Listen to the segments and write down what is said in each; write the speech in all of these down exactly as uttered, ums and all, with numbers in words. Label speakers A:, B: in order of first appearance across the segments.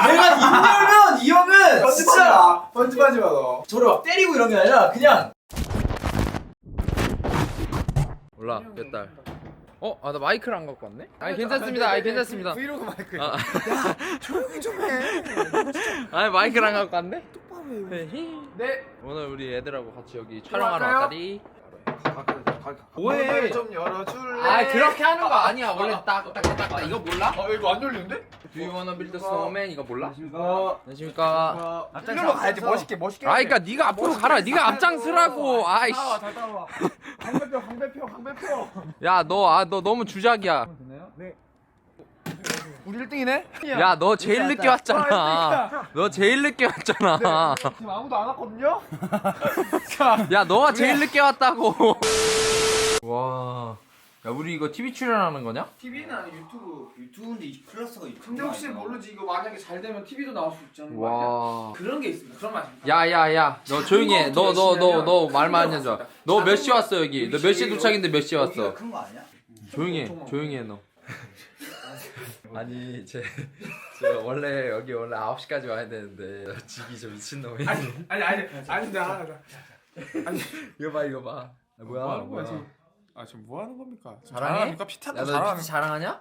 A: 내가 입 열면 이 형은 진짜
B: 편집하지 마 너.
A: 저를 막 때리고 이런 게 아니라 그냥
C: 몰라 몇 달. 어? 아 나 마이크를 안 갖고 왔네? 아니 괜찮습니다. 아니 괜찮습니다.
B: 브이로그 마이크.
C: 아,
B: 조용히 좀 해.
C: 아니 마이크를 안 갖고 왔네?
B: 똑바로 해.
C: 네.
B: 네.
C: 오늘 우리 애들하고 같이 여기 촬영하러
B: 갈까요?
C: 왔다리.
B: 뭐해?
C: 뭐해?
B: 좀 열어줄래?
C: 아 그렇게 하는 거 아니야. 원래 딱딱딱딱 이거 몰라?
B: 아 이거 안 열리는데?
C: Do you wanna build a snowman? 이거 몰라?
B: 안녕하십니까.
C: 안녕하십니까?
B: 일로 가야지 멋있게 멋있게.
C: 아 그니까 네가 앞으로 가라. 네가 앞장서라고. 아이씨.
B: 따라와 잘 따라와. 강배표 강배표 강배표.
C: 야 너 아 너 너무 주작이야.
B: 되나요? 네. 우리 일 등이네?
C: 야 너 제일 늦게 왔잖아. 너 제일 늦게 왔잖아.
B: 지금 아무도 안 왔거든요?
C: 야 너가 제일 늦게 왔다고. 와. 야 우리 이거 티비 출연하는 거냐?
B: 티비는 아니 유튜브.
A: 유튜브인데 이 플러스가 있
B: 근데 혹시 모르지 이거 만약에 잘 되면 티비도 나올 수 있잖아.
C: 와.
B: 그런 게 있습니다. 그런 맛이.
C: 야야야 너 조용히 해. 너 너 너 너 말만 하지 마. 너 몇 시 왔어 여기? 너 몇 시에 도착인데 몇 시에 왔어?
A: 큰 거 아니야?
C: 조용히 해. 조용히 해 너. 아니 제, 제 원래 여기 원래 아홉 시까지 와야 되는데 지기 저 미친놈이.
B: 아니 아니 아니 아니 나 아니
C: 이거 봐 이거 봐. 아, 뭐야
B: 뭐 하는 거야,
C: 뭐야.
B: 지금? 아 지금 뭐 하는 겁니까?
C: 자랑해?
B: 자랑합니까? 피탄도
C: 야너
B: 자랑하는
C: 자랑하냐?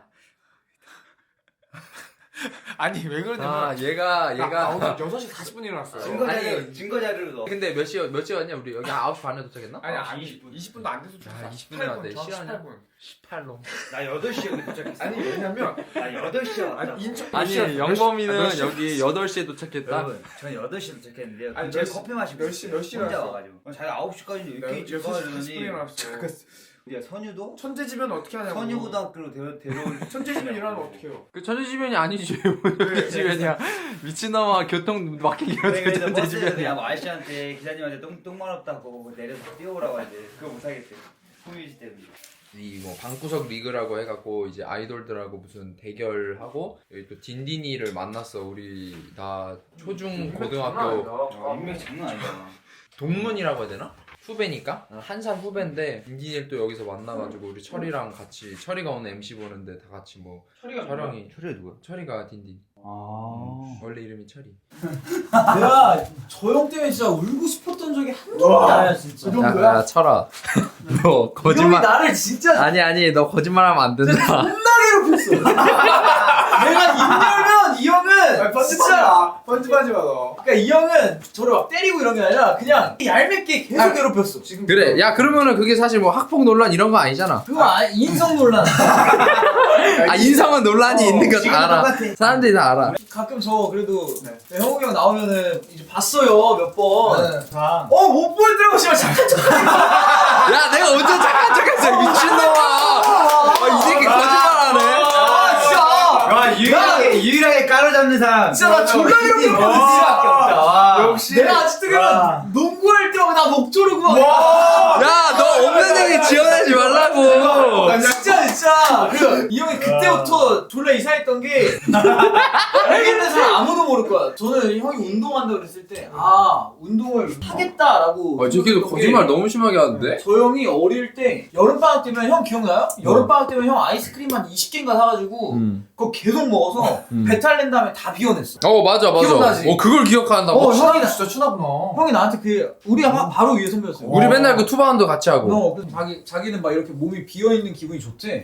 B: 아니 왜 그러냐면
C: 아 얘가
B: 나, 나
C: 얘가
B: 오늘 여섯 시 사십 분에 일어났어요.
A: 증거
C: 아니,
A: 자료 증거 자료를 넣어.
C: 근데 몇 시 몇 시에 왔냐 우리 여기 아홉 시 반에 도착했나?
B: 아니
A: 아,
B: 아니
A: 이십 분.
B: 이십 분도 안 돼서
C: 야, 이십 분이나 안 돼. 실화냐?
B: 십팔 분.
C: 십팔로.
A: 나 여덟 시에 여기 도착했어.
B: 아니 왜냐면
A: 나 여덟 시에 왔다.
B: 아니 인천
C: 아니
B: 몇 시야?
C: 영범이는
B: 몇 시야?
C: 여기 여덟 시에 도착했다.
A: 여러분, 저는 여덟 시에 도착했는데요.
B: 아니,
A: 제가
B: 몇 시-
A: 커피 마시고
B: 몇 시- 몇 시에
A: 혼자
B: 왔어?
A: 와가지고. 자기 아홉 시까지는 이렇게
B: 여-
A: 일찍
B: 여섯 시 사십 분에
A: 가려더니
B: 일어났어.
A: 우리가 선유도
B: 천재지면 어떻게 하냐고.
A: 선유고등학교로 데려 데려올
B: 천재지면 일어나면 어떻게 해요?
C: 그 천재지변이 아니지. 왜 지변이야? 미친놈아 교통 막히게
A: 그래서
C: 어떻게
A: 버스에서
C: 천재지변이야?
A: 야 아저씨한테 기사님한테 똥 똥만 없다고 내려서 뛰어오라고 하는데 그거 못 하겠대. 소유지 때문에.
C: 이뭐 방구석 리그라고 해갖고 이제 아이돌들하고 무슨 대결하고 여기 또 딘딘이를 만났어. 우리 다 초중 고등학교
A: 아, 인맥 장난 아니잖아.
C: 동문이라고 해야 되나? 후배니까 한 살 후배인데 딘딘이를 또 여기서 만나가지고 우리 철이랑 같이 철이가 오늘 엠씨 보는데 다 같이 뭐
B: 철이가
C: 촬영이
A: 철이 누구야?
C: 철이가 딘딘.
A: 아.
C: 원래 이름이 철이.
A: 내가 저 형 때문에 진짜 울고 싶었던 적이 한두 번이 아니야 진짜.
C: 야, 야 철아. 너
A: 형이
C: 거짓말.
A: 나를 진짜
C: 아니 아니 너 거짓말하면 안 된다.
A: 존나 괴롭혔어. 내가 입 열면 이 형은
B: 편집하지
A: 진짜
B: 마. 편집하지 마 너.
A: 그러니까 이 형은 저를 막 때리고 이런 게 아니라 그냥 얄밉게 계속
C: 아,
A: 괴롭혔어. 지금
C: 그래. 야 그러면은 그게 사실 뭐 학폭 논란 이런 거 아니잖아.
A: 그거 아, 인성 논란.
C: 아 인성은 논란이
A: 어,
C: 있는 거
A: 지금도
C: 다 알아.
A: 똑같아.
C: 사람들이 다 알아.
A: 가끔 저 그래도
B: 네.
A: 형욱이 형 나오면은 이제 봤어요 몇 번.
B: 자.
A: 어 못 보이더라고 씨발 잠깐 잠깐.
C: 야 내가 언제 착한 척했어 미친놈아. 아, 이 새끼 거짓말하네.
A: 아 진짜.
D: 와 유일하게 유일하게 까로잡는 사람.
A: 진짜 나 존나 이렇게 보는 수밖에 없다. 와.
B: 역시.
A: 내가 아직도 그냥 농구할 때마다 나 목 조르고 막.
C: 야 너 없는 얘기 지어내지 말라고.
A: 아, 진짜 진짜 그 이 형이 그때부터 졸라 이상했던 게 여기 있는 사람 아무도 모를 거야. 저는 형이 운동한다고 그랬을 때 아 운동을 하겠다라고
C: 아 저기도
A: 생각했던
C: 거짓말
A: 게
C: 너무 심하게 하는데?
A: 저 형이 어릴 때 여름방학 때면 형 기억나요? 여름방학 때면 형 아이스크림 한 이십 개인가 사가지고
C: 음.
A: 그거 계속 먹어서
C: 음.
A: 배탈 낸 다음에 다 비워냈어.
C: 어 맞아 맞아.
A: 기억나지?
C: 어 그걸 기억한다고?
A: 어 형이 나,
B: 진짜 추나구나.
A: 형이 나한테 그 우리 바, 바로 위에 선배였어요.
C: 우리 맨날 그 투바운드 같이 하고.
A: 너 그래서 자기 자기는 막 이렇게 몸이 비어 있는 기분이 좋대.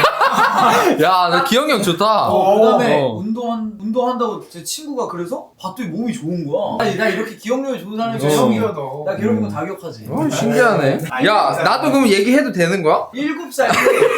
C: 야 너 기억력 좋다.
A: 어, 그다음에
C: 어.
A: 운동한 운동한다고 제 친구가 그래서 봤더니 몸이 좋은 거야. 아니 나 이렇게 기억력이 좋은 사람이
C: 어.
A: 형이야.
B: 너.
A: 나 괴롭힌 거 다 기억하지.
C: 어, 신기하네. 야 나도 그럼 얘기해도 되는 거야?
A: 일곱 살 때.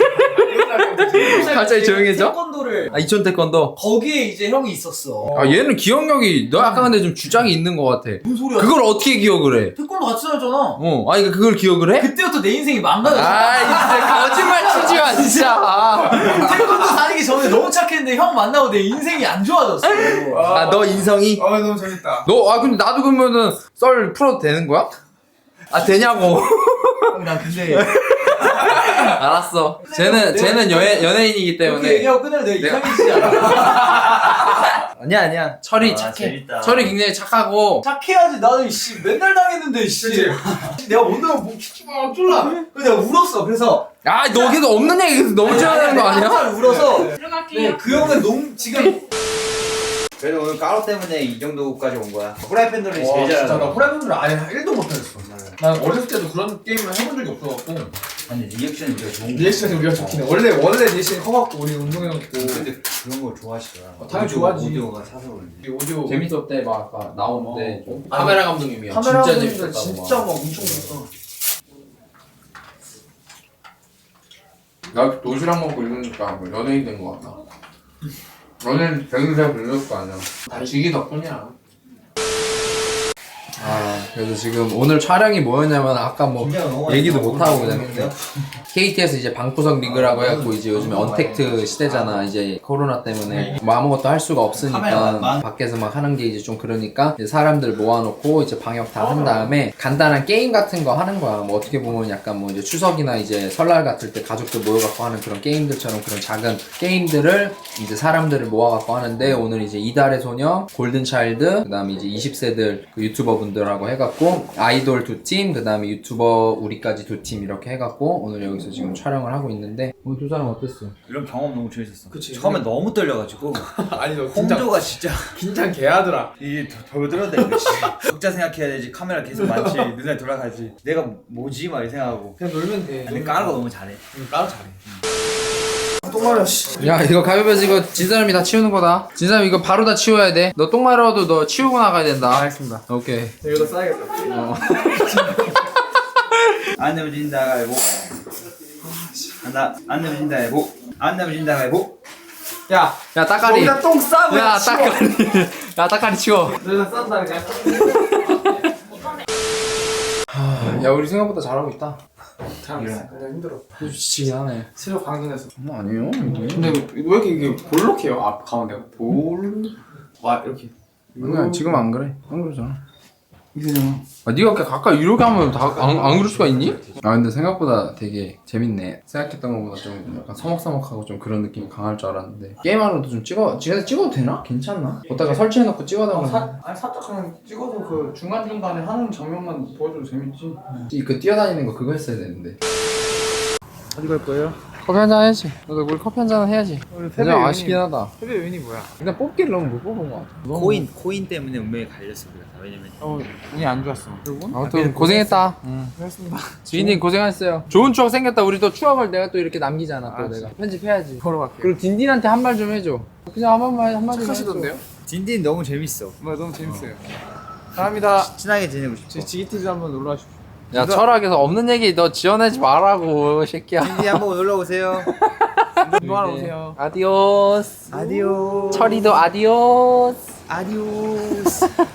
A: 일곱 살
C: 갑자기
A: 때
C: 조용해져?
A: 태권도를
C: 아 이천 태권도.
A: 거기에 이제 형이 있었어.
C: 아 얘는 기억력이 너 약간 근데 좀 주장이 있는 것 같아.
A: 무슨 소리야?
C: 그걸 어떻게 기억을 해?
A: 태권도 같이 다녔잖아.
C: 어, 아니 그걸 기억을 해?
A: 그때부터 내 인생이 망가졌어.
C: 아, 이제 거짓말 치지 마, 진짜.
A: 태권도 다니기 전에 너무 착했는데 형 만나고 내 인생이 안 좋아졌어.
C: 아, 너 인성이?
B: 어 너무 재밌다.
C: 너, 아, 근데 나도 그러면은 썰 풀어도 되는 거야? 아, 되냐고.
A: 난 근데
C: 알았어. 쟤는, 쟤는 연예, 연예인이기
A: 이렇게
C: 때문에.
A: 얘기하고 끝내면 내가
C: 내가-
A: 이상해지지 않아.
C: 아니야, 아니야. 철이
D: 아,
C: 착해.
D: 재밌다.
C: 철이 굉장히 착하고.
A: 착해야지. 나는 씨 맨날 당했는데 씨. 내가 오늘 뭐 키키 막 쫄라. 그래서 내가 울었어. 그래서
C: 아, 너 걔도 없는 얘기 계속 너무 지어내는 거 아니야?
A: 한참 울어서.
E: 들어갈게요.
A: 네, 그 형은 농 지금
D: 그래도 오늘 까로 때문에 이 정도까지 온 거야. 프라이팬 놀이
B: 와
D: 제일
B: 진짜 나
D: 잘하더라.
B: 프라이팬을 아예 일도 못하겠어. 난 어렸을 때도 그런 게임을 해본 적이 없어갖고
D: 아니 리액션이 되게 좋은 거.
B: 리액션이 우리가 좋긴 해. 원래 원래 리액션이 커갖고 우리 운동해갖고
D: 근데 그런 걸 좋아하시더라.
B: 어, 당연히
D: 오디오,
B: 좋아하지.
D: 오디오가 사서 그런지.
B: 우리 오디오
C: 재밌었대 막 아까 나올
B: 어.
C: 때 좀.
B: 아니,
C: 카메라 감독님이요.
B: 카메라
C: 진짜
B: 감독님들
C: 재밌었다고
B: 진짜
C: 막.
B: 막 엄청 멋있어.
C: 나 도시락 먹고 이러니까 뭐 연예인 된 거 같다. 연예인 되긴 잘 불렸을 거 아니야. 다 지기 덕분이야. 아 그래서 지금 오늘 촬영이 뭐였냐면 아까 뭐 얘기도 못 하고 그냥 케이티에스 이제 방구석 리그라고 해갖고 이제 요즘에 언택트 시대잖아. 이제 코로나 때문에 뭐 아무것도 할 수가 없으니까
D: 카메라만.
C: 밖에서 막 하는 게 이제 좀 그러니까 이제 사람들 모아놓고 이제 방역 다 한 다음에 간단한 게임 같은 거 하는 거야. 뭐 어떻게 보면 약간 뭐 이제 추석이나 이제 설날 같을 때 가족들 모여갖고 하는 그런 게임들처럼 그런 작은 게임들을 이제 사람들을 모아갖고 하는데 오늘 이제 이달의 소녀, 골든차일드, 그 다음에 이제 이십 세들 그 유튜버 분들하고 해갖고 아이돌 두 팀, 그 다음에 유튜버 우리까지 두 팀 이렇게 해갖고 오늘 여기서 지금 촬영을 하고 있는데 오늘 두 사람 어땠어?
D: 이런 경험 너무 재밌었어.
B: 그치.
D: 처음에 너무 떨려가지고
B: 아니 너 긴장
D: 홍조가 진짜
B: 긴장 개하더라.
D: 이게 더 들어도 돼. 적자 생각해야 되지. 카메라 계속 많지. 눈에 돌아가지. 내가 뭐지 막 이 생각하고.
B: 그냥 놀면 돼.
D: 근데 까는 거 너무 잘해.
B: 응, 까로 잘해. 똥 마려 씨.
C: 야 이거 가위바위보 이거 진 사람이 다 치우는 거다. 진 사람 이거 바로 다 치워야 돼. 너 똥 마려도 너 치우고 나가야 된다.
B: 알겠습니다.
C: 오케이.
B: 여기다 싸야겠다.
C: 어.
D: 안 내면 진다 가위보. 나 안 내면 진다 가위보. 안 내면 진다 가위보.
B: 야,
C: 야 따까리.
B: 거기다 똥 싸고
C: 야
B: 치워.
C: 따까리. 야 따까리 치워.
B: 너희가 싼다 그냥.
C: 야 우리 생각보다 잘하고 있다.
B: 잘했어. 근데 힘들어.
C: 지치긴 하네.
B: 체력 강진해서.
C: 뭐 아니에요.
B: 근데 왜 이렇게 이게 볼록해요? 앞 가운데가 볼. 와 이렇게.
C: 그냥 지금 안 그래. 안 그러잖아. 이거잖아. 아 네가 이렇게 가까이 이렇게 하면 다 안 안 그럴 수가 있니? 아 근데 생각보다 되게 재밌네. 생각했던 것보다 좀 약간 서먹서먹하고 좀 그런 느낌이 강할 줄 알았는데 게임하러도 좀 찍어 집에서 찍어도 되나? 괜찮나? 거기다가 설치해놓고 찍어달라고.
B: 사, 아니 살짝 그냥 찍어서 그 중간 중간에 하는 장면만 보여줘도 재밌지.
C: 이 그 뛰어다니는 거 그거 했어야 되는데.
B: 어디 갈 거예요?
C: 커피 한잔 해야지. 너도 우리 커피 한잔 해야지.
B: 우리
C: 진짜 아쉽긴 하다.
B: 패배 요인이 뭐야?
C: 일단 뽑기를 너무 못 뽑은 것 같아.
D: 코인 코인 때문에 운명이 갈렸어 그래. 왜냐면
B: 어 운이 안 좋았어. 그리고
C: 아무튼 고생했다.
B: 고맙습니다.
C: 주인님 고생하셨어요. 좋은 추억 생겼다. 우리 또 추억을 내가 또 이렇게 남기잖아. 또
B: 아,
C: 내가 편집해야지.
B: 보러 갈게요.
C: 그리고 딘딘한테 한 말 좀 해줘. 그냥 한 번만 한 마디
B: 착하시던데요?
D: 딘딘 너무 재밌어.
B: 정말 너무 재밌어요. 감사합니다.
D: 친하게 지내고 싶어.
B: 저희 지기티비 한번 놀러 와주십시오.
C: 야 철학에서 없는 얘기 너 지어내지 말라고 새끼야.
D: 딘딘 한번 놀러 오세요.
B: 운동하러 오세요.
C: 아디오스.
D: 아디오.
C: 철이도 아디오스.
D: 아디오스.